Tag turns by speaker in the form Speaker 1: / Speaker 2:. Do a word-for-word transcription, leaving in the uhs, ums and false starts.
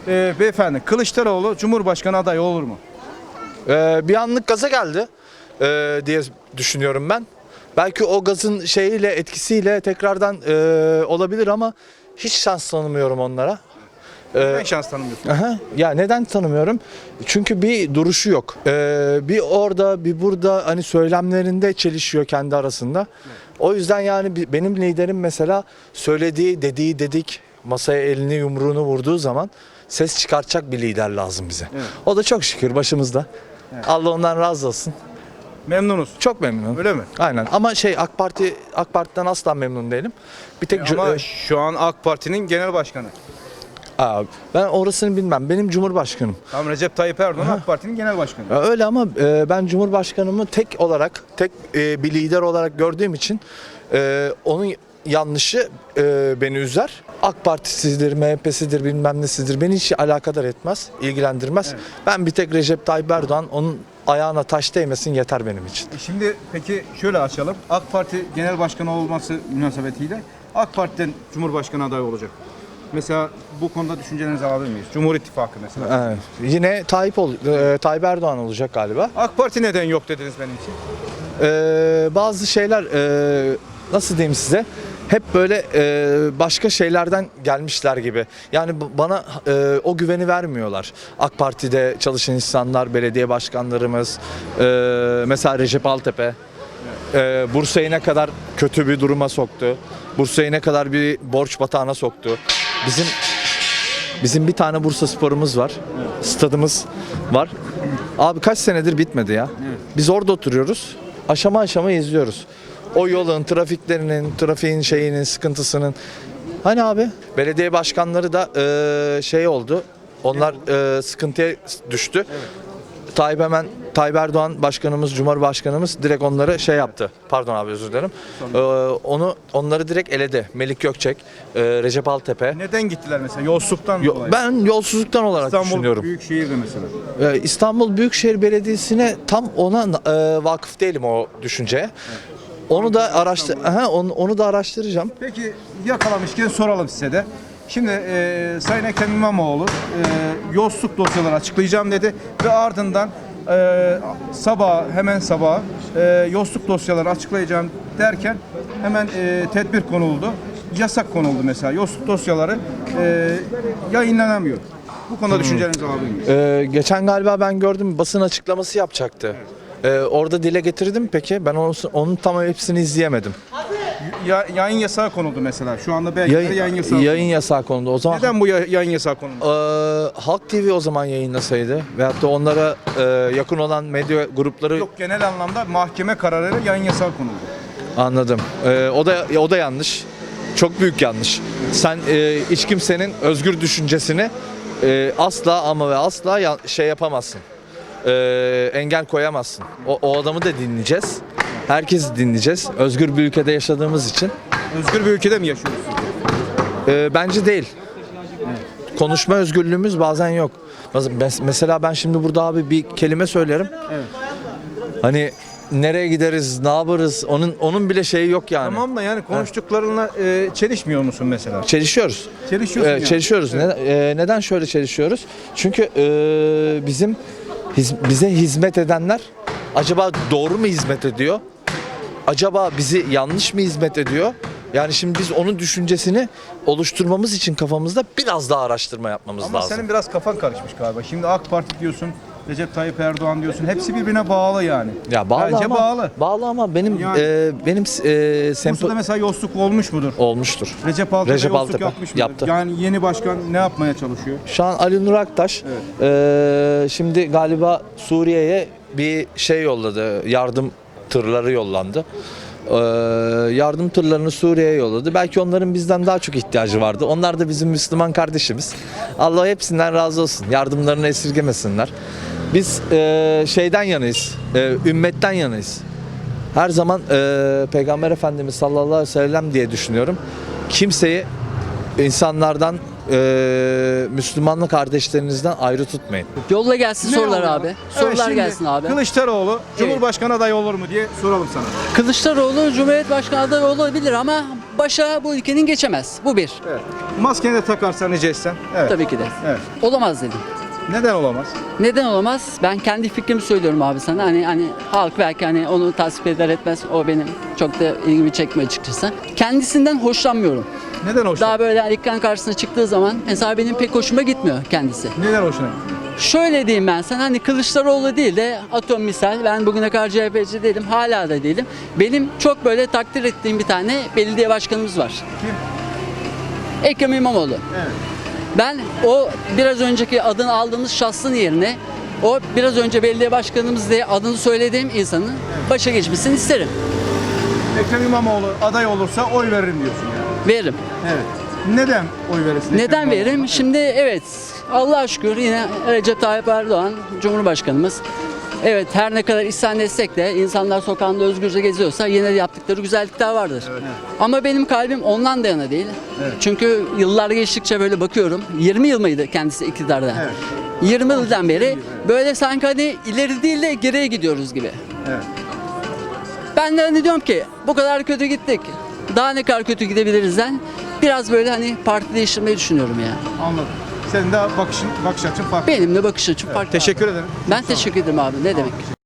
Speaker 1: Ee, beyefendi, Kılıçdaroğlu Cumhurbaşkanı adayı olur mu?
Speaker 2: Ee, bir anlık gaza geldi ee, diye düşünüyorum ben. Belki o gazın şeyiyle, etkisiyle tekrardan ee, olabilir ama hiç şans tanımıyorum onlara.
Speaker 1: Ben şans tanımıyorsun.
Speaker 2: Aha, ya neden tanımıyorum? Çünkü bir duruşu yok. Ee, bir orada, bir burada, hani söylemlerinde çelişiyor kendi arasında. Evet. O yüzden yani bi- benim liderim mesela söylediği, dediği dedik, masaya elini yumruğunu vurduğu zaman ses çıkartacak bir lider lazım bize.
Speaker 1: Evet.
Speaker 2: O da çok şükür başımızda.
Speaker 1: Evet.
Speaker 2: Allah ondan razı olsun.
Speaker 1: Memnunuz.
Speaker 2: Çok memnunum.
Speaker 1: Öyle mi?
Speaker 2: Aynen. Ama şey AK Parti AK Parti'den asla memnun değilim. Bir tek
Speaker 1: Ama
Speaker 2: Cu-
Speaker 1: şu an AK Parti'nin genel başkanı.
Speaker 2: Aa, ben orasını bilmem. Benim Cumhurbaşkanım.
Speaker 1: Tam Recep Tayyip Erdoğan AK Parti'nin genel başkanı.
Speaker 2: Ya öyle ama e, ben Cumhurbaşkanımı tek olarak, tek e, bir lider olarak gördüğüm için e, onun yanlışı e, beni üzer. AK Partisidir, M H P'sidir, bilmem nesidir beni hiç alakadar etmez, ilgilendirmez. Evet. Ben bir tek Recep Tayyip Erdoğan, onun ayağına taş değmesin yeter benim için.
Speaker 1: E Şimdi peki şöyle açalım. AK Parti genel başkanı olması münasebetiyle AK Parti'den Cumhurbaşkanı adayı olacak. Mesela bu konuda düşüncelerinizi alabilir miyiz? Cumhur İttifakı mesela.
Speaker 2: Evet. Yine Tayyip, ol, e, Tayyip Erdoğan olacak galiba.
Speaker 1: AK Parti neden yok dediniz benim için?
Speaker 2: Ee, bazı şeyler e, nasıl diyeyim size, hep böyle e, başka şeylerden gelmişler gibi. Yani b- bana e, o güveni vermiyorlar. AK Parti'de çalışan insanlar, belediye başkanlarımız, e, mesela Recep Altepe, e, Bursa'yı ne kadar kötü bir duruma soktu. Bursa'yı ne kadar bir borç batağına soktu. Bizim bizim bir tane Bursa Spor'umuz var. Stadımız var. Abi kaç senedir bitmedi ya. Biz orada oturuyoruz. Aşama aşama izliyoruz. O yolun, trafiklerinin, trafiğin şeyinin, sıkıntısının. Hani abi belediye başkanları da eee, şey oldu. Onlar eee, sıkıntıya düştü. Tayyip hemen Tayyip Erdoğan başkanımız, Cumhurbaşkanımız direkt onları şey yaptı. Pardon abi, özür dilerim. Ee, onu onları direkt eledi. Melik Gökçek, e, Recep Altepe.
Speaker 1: Neden gittiler mesela? Yolsuzluktan
Speaker 2: Yo-
Speaker 1: dolayı.
Speaker 2: ben yolsuzluktan olarak
Speaker 1: İstanbul
Speaker 2: düşünüyorum.
Speaker 1: Büyükşehir'de mesela.
Speaker 2: Ee, İstanbul Büyükşehir Belediyesi'ne tam ona e, vakıf değilim o düşünceye. Onu da araştır, aha, onu, onu da araştıracağım.
Speaker 1: Peki yakalamışken soralım size de. Şimdi e, Sayın Ekrem İmamoğlu e, yolsuzluk dosyaları açıklayacağım dedi ve ardından e, sabah hemen sabah e, yolsuzluk dosyaları açıklayacağım derken hemen e, tedbir konuldu. Yasak konuldu mesela. Yolsuzluk dosyaları e, yayınlanamıyor. Bu konuda düşüncelerinizi alabilir miyiz?
Speaker 2: Ee, geçen galiba ben gördüm, basın açıklaması yapacaktı. Ee, orada dile getirdim peki. Ben onun, onun tam hepsini izleyemedim.
Speaker 1: Ya, yayın yasağı konuldu mesela. Şu anda belki
Speaker 2: Yayın,
Speaker 1: yayın yasağı.
Speaker 2: yayın yasağı konuldu. O zaman
Speaker 1: Neden bu ya- yayın yasağı konuldu?
Speaker 2: Ee, Halk T V o zaman yayınlasaydı veyahut da onlara e, yakın olan medya grupları.
Speaker 1: Yok, genel anlamda mahkeme kararıyla yayın yasağı konuldu.
Speaker 2: Anladım. Ee, o da o da yanlış. Çok büyük yanlış. Sen e, hiç kimsenin özgür düşüncesini e, asla ama ve asla ya- şey yapamazsın. Ee, engel koyamazsın. O, o adamı da dinleyeceğiz. Herkesi dinleyeceğiz. Özgür bir ülkede yaşadığımız için.
Speaker 1: Özgür bir ülkede mi yaşıyoruz?
Speaker 2: Ee, bence değil. Konuşma özgürlüğümüz bazen yok. Mes- Mesela ben şimdi burada abi bir kelime söylerim.
Speaker 1: Evet.
Speaker 2: Hani nereye gideriz, ne yaparız? Onun onun bile şeyi yok yani.
Speaker 1: Tamam da yani konuştuklarına e, çelişmiyor musun mesela?
Speaker 2: Çelişiyoruz.
Speaker 1: Çelişiyorsun
Speaker 2: Ee,
Speaker 1: yani.
Speaker 2: Çelişiyoruz.
Speaker 1: Evet.
Speaker 2: Ne- e, neden şöyle çelişiyoruz? Çünkü e, bizim hiz- bize hizmet edenler acaba doğru mu hizmet ediyor? Acaba bizi yanlış mı hizmet ediyor? Yani şimdi biz onun düşüncesini oluşturmamız için kafamızda biraz daha araştırma yapmamız
Speaker 1: Ama
Speaker 2: lazım.
Speaker 1: senin biraz kafan karışmış galiba. Şimdi AK Parti diyorsun, Recep Tayyip Erdoğan diyorsun. Hepsi birbirine bağlı yani.
Speaker 2: Ya bağlı
Speaker 1: Bence
Speaker 2: ama
Speaker 1: bağlı.
Speaker 2: bağlı ama benim
Speaker 1: Yani-
Speaker 2: e, benim e, sempo
Speaker 1: Bursa'da mesela yolsuzluk olmuş mudur?
Speaker 2: olmuştur.
Speaker 1: Recep Altepe
Speaker 2: Recep
Speaker 1: yolsuzluk
Speaker 2: Altepe
Speaker 1: yapmış mıdır?
Speaker 2: yaptı.
Speaker 1: Yani yeni başkan ne yapmaya çalışıyor?
Speaker 2: Şu an Ali Nur Aktaş e, şimdi galiba Suriye'ye bir şey yolladı. Yardım tırları yollandı. E, yardım tırlarını Suriye'ye yolladı. Belki onların bizden daha çok ihtiyacı vardı. Onlar da bizim Müslüman kardeşimiz. Allah hepsinden razı olsun. Yardımlarını esirgemesinler. Biz e, şeyden yanayız. E, ümmetten yanayız. Her zaman e, Peygamber Efendimiz sallallahu aleyhi ve sellem diye düşünüyorum. Kimseyi insanlardan, e, Müslümanlı kardeşlerinizden ayrı tutmayın.
Speaker 3: Yolla gelsin
Speaker 1: Ne
Speaker 3: sorular
Speaker 1: oluyor?
Speaker 3: abi.
Speaker 1: Evet,
Speaker 3: Sorular
Speaker 1: şimdi
Speaker 3: gelsin abi.
Speaker 1: Kılıçdaroğlu Cumhurbaşkanı adayı olur mu diye soralım sana.
Speaker 3: Kılıçdaroğlu Cumhuriyet Başkanı adayı olabilir ama başa bu ülkenin geçemez. Bu bir.
Speaker 1: Evet. Maskeni de takarsan rica etsen. Evet.
Speaker 3: Tabii ki de.
Speaker 1: Evet.
Speaker 3: Olamaz dedim.
Speaker 1: Neden olamaz?
Speaker 3: Neden olamaz? Ben kendi fikrimi söylüyorum abi sana. Hani hani halk belki hani onu tasvip eder etmez. O benim çok da ilgimi çekmiyor açıkçası. Kendisinden hoşlanmıyorum.
Speaker 1: Neden hoşuna?
Speaker 3: Daha böyle hani ekran karşısına çıktığı zaman mesela benim pek hoşuma gitmiyor kendisi.
Speaker 1: Neden hoşuna?
Speaker 3: Şöyle diyeyim ben sana, hani Kılıçdaroğlu değil de atom misal, ben bugüne kadar C H P'ci değilim, hala da değilim. Benim çok böyle takdir ettiğim bir tane belediye başkanımız var.
Speaker 1: Kim?
Speaker 3: Ekrem İmamoğlu.
Speaker 1: Evet.
Speaker 3: Ben o biraz önceki adını aldığımız şahsın yerine o biraz önce belediye başkanımız diye adını söylediğim insanın başa geçmesini isterim.
Speaker 1: Ekrem İmamoğlu aday olursa oy veririm diyorsun yani.
Speaker 3: Veririm.
Speaker 1: Evet. Neden oy verirsin? Ekrem
Speaker 3: Neden
Speaker 1: İmamoğlu'na?
Speaker 3: veririm? Şimdi evet, Allah'a şükür yine Recep Tayyip Erdoğan Cumhurbaşkanımız. Evet, her ne kadar isyan etsek de insanlar sokağında özgürce geziyorsa yine de yaptıkları güzellikler vardır. Ama benim kalbim ondan da yana değil.
Speaker 1: Evet.
Speaker 3: Çünkü yıllar geçtikçe böyle bakıyorum. yirmi yıl mıydı kendisi iktidarda?
Speaker 1: Evet.
Speaker 3: yirmi yıldan beri böyle sanki hani ileri değil de geriye gidiyoruz gibi.
Speaker 1: Evet.
Speaker 3: Ben de hani diyorum ki bu kadar kötü gittik. Daha ne kadar kötü gidebilirizden biraz böyle hani parti değiştirmeyi düşünüyorum ya.
Speaker 1: Anladım. Senin de bakışın, bakış açın farklı.
Speaker 3: Benim de bakış açım farklı.
Speaker 1: Teşekkür ederim.
Speaker 3: Ben teşekkür ederim abi. Ne demek?